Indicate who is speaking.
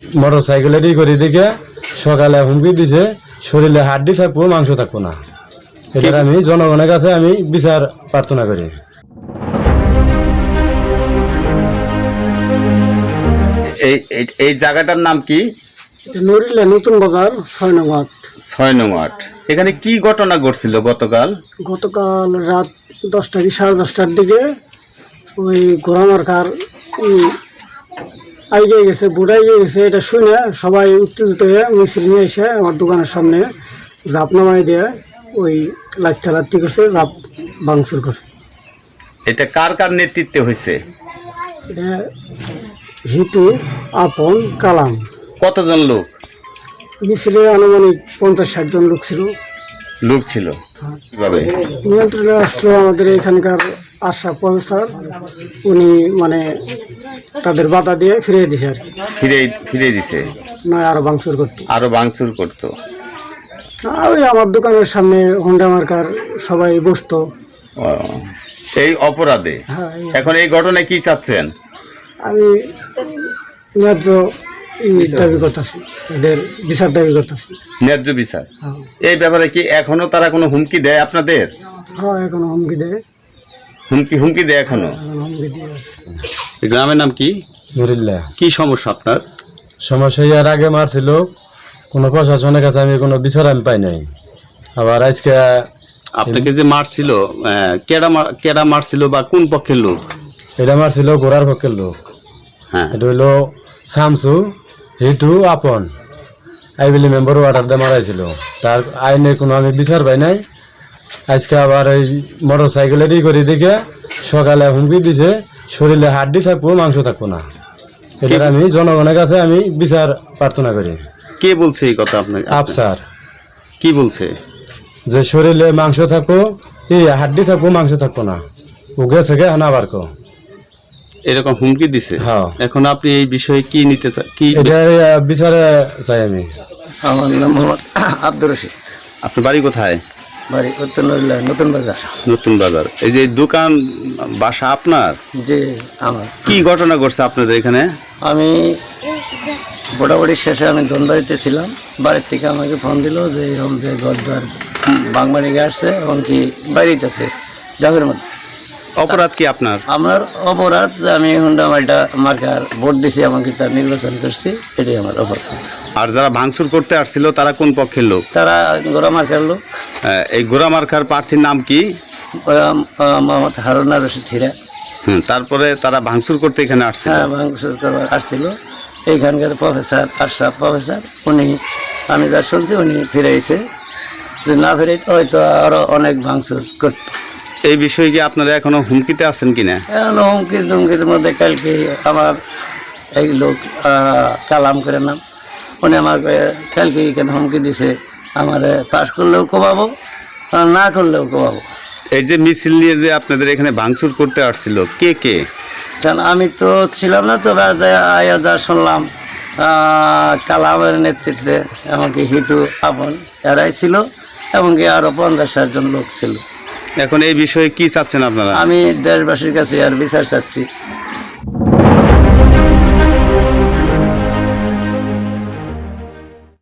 Speaker 1: Motor সাইকেলের করে দিকে সকালে হুমকি দিছে শরীরে হাড্ডি থাকবো মাংস থাকবো না। এটার আমি জনগণের কাছে আমি বিচার প্রার্থনা করি।
Speaker 2: এই জায়গাটার নাম কি?
Speaker 3: নড়িলা নতুন বাজার 6 নং ওয়ার্ড।
Speaker 2: 6 নং ওয়ার্ড। এখানে কি ঘটনা ঘটছিল গতকাল?
Speaker 3: গতকাল রাত 10টা কি 10:30টার দিকে ওই গোরামার্কার আইগে গেছে, বুড়াই গেছে, এটা শুনে সবাই উত্তেজিত হয়ে মিছিল নিয়ে এসে আমার দোকানের সামনে জাপ নামাই দিয়ে ওই লাঠি করছে, জাপ ভাঙচুর করছে।
Speaker 2: এটা কার কার নেতৃত্বে হয়েছে?
Speaker 3: এটা হিটু, আপন, কালাম।
Speaker 2: কতজন লোক?
Speaker 3: মিছিলে আনুমানিক 50-60 জন লোক ছিল।
Speaker 2: কিভাবে
Speaker 3: নিয়ন্ত্রণে আসলো আমাদের এখানকার আশা প্রফেসর, উনি মানে তাদের বাধা দিয়ে ফিরিয়ে দিছে আর কি।
Speaker 2: ফিরে দিছে?
Speaker 3: নয় আরো ভাঙচুর করতো। ওই আমার দোকানের সামনে হোন্ডা মার্কার সবাই বসতো
Speaker 2: এই অপরাধে।
Speaker 3: হ্যাঁ,
Speaker 2: এখন এই ঘটনায় কি চাচ্ছেন?
Speaker 3: আমি ন্যায্য দাবি করতেছি, এদের বিচার দাবি করতেছি।
Speaker 2: ন্যায্য বিচার। এই ব্যাপারে কি এখনো তারা কোনো হুমকি দেয় আপনাদের?
Speaker 3: হ্যাঁ, এখনো হুমকি দেয়।
Speaker 2: হুমকি দেয় এখনো?
Speaker 3: হুমকি দিয়ে আসছে।
Speaker 2: গ্রামের নাম কি?
Speaker 1: নড়িল্লা।
Speaker 2: কি সমস্যা আপনার?
Speaker 1: সমস্যা এর আগে মারছিল, কোনো প্রশাসনের কাছে আমি কোনো বিচার আমি পাই নাই। আবার আজকে
Speaker 2: আপনাকে যে মারছিল, কেডা মারছিল বা কোন পক্ষের লোক?
Speaker 1: এটা মারছিল গোড়ার পক্ষের লোক।
Speaker 2: হ্যাঁ,
Speaker 1: এটা হইলো শামসু, হিটু, আপন। আইবিলি মেম্বার ওয়াটার দিয়ে মারাইছিল। তার আইনের কোনো আমি বিচার পাই নাই। আজকে আবার এই মোটর সাইকেলের করে দিকে সকালে হুমকি দিছে শরীরে হাড্ডি থাকবো মাংস থাকবো না। এটার আমি জনগণের কাছে আমি বিচার প্রার্থনা করি।
Speaker 2: কে বলছে এই কথা আপনাকে?
Speaker 1: আফসার।
Speaker 2: কি বলছে?
Speaker 1: যে শরীরে মাংস থাকবো, এই হাড্ডি থাকবো মাংস থাকবো না। ও গেছে গে হানা বারকো
Speaker 2: এরকম হুমকি দিছে।
Speaker 1: হ্যাঁ।
Speaker 2: এখন আপনি এই বিষয়ে কি নিতে চান? কি
Speaker 1: এটা বিচারে চাই আমি।
Speaker 3: আমার নাম মোহাম্মদ আব্দুর রশিদ।
Speaker 2: আপনার বাড়ি কোথায়?
Speaker 3: বাড়ি উত্তর নড়িলা নতুন বাজার।
Speaker 2: নতুন বাজার। এই যে দোকান বাসা আপনার?
Speaker 3: যে আমার
Speaker 2: কি ঘটনা ঘটছে আপনাদের এখানে?
Speaker 3: আমি মোটামুটি শেষে আমি ধনবাড়িতে ছিলাম। বাড়ির থেকে আমাকে ফোন দিল যে এরকম যে ঘরদ্বার বাংবাড়ি আসছে, এমনকি বাড়িতেছে জাভের মধ্যে।
Speaker 2: অপরাধ কি আপনার?
Speaker 3: আমার অপরাধ যে আমি হোন্ডা মার্কার ভোট দিছি, আমাকে তার নির্বাচন করছি, এটাই আমার অপরাধ।
Speaker 2: আর যারা ভাঙচুর করতে আসছিল তারা কোন পক্ষের লোক?
Speaker 3: তারা গোড়া মার্কার লোক।
Speaker 2: এই গোড়া মার্কার প্রার্থীর নাম কি?
Speaker 3: মোহাম্মদ হারুনা রশিদ হীরা।
Speaker 2: তারপরে তারা ভাঙচুর করতে এখানে আসছে?
Speaker 3: হ্যাঁ, ভাঙচুর করবার আসছিল। এইখানকার প্রফেসর আশরাফ প্রফেসর, উনি আমি যা শুনছি উনি ফিরেছে, যে না ফিরে হয়তো আরো অনেক ভাঙচুর করত।
Speaker 2: এই বিষয়ে কি আপনারা এখনো হুমকিতে আছেন কিনা?
Speaker 3: এখন হুমকির মধ্যে কালকে আমার এই লোক কালাম করে নাম, উনি আমাকে কালকে এখানে হুমকি দিছে, আমার পাস করলেও কমাবো, না করলেও কমাবো।
Speaker 2: এই যে মিছিল নিয়ে যে আপনাদের এখানে ভাঙচুর করতে আসছিল, কে কে?
Speaker 3: কারণ আমি তো ছিলাম না, তো আয়া যা শুনলাম কালামের নেতৃত্বে এমনকি হিটু, আপন এরাই ছিল, এমনকি আরও 50-60 জন লোক ছিল।
Speaker 2: এখন এই বিষয়ে কি চাচ্ছেন আপনারা?
Speaker 3: আমি দেশবাসীর কাছে আর বিচার চাচ্ছি।